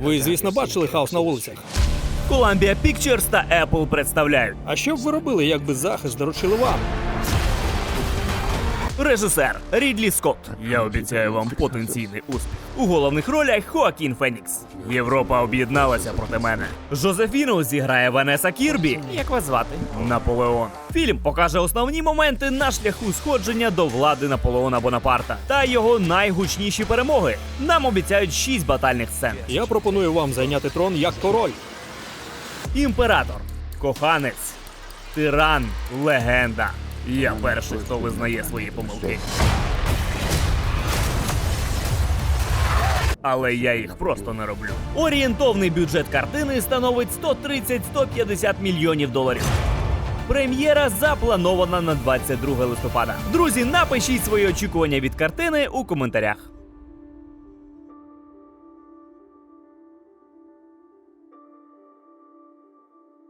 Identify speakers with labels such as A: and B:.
A: Ви, звісно, бачили хаос на вулицях.
B: Columbia Pictures та Apple представляють.
A: А що б ви робили, якби захист доручили вам?
B: Режисер Рідлі Скотт. Я обіцяю вам потенційний успіх. У головних ролях Хоакін Фенікс. Європа об'єдналася проти мене. Жозефіну зіграє Ванеса Кірбі. Як вас звати? Наполеон. Фільм покаже основні моменти на шляху сходження до влади Наполеона Бонапарта та його найгучніші перемоги. Нам обіцяють 6 батальних сцен.
A: Я пропоную вам зайняти трон як король.
B: Імператор, коханець, тиран, легенда. Я перший, хто визнає свої помилки. Але я їх просто не роблю. Орієнтовний бюджет картини становить 130-150 мільйонів доларів. Прем'єра запланована на 22 листопада. Друзі, напишіть свої очікування від картини у коментарях.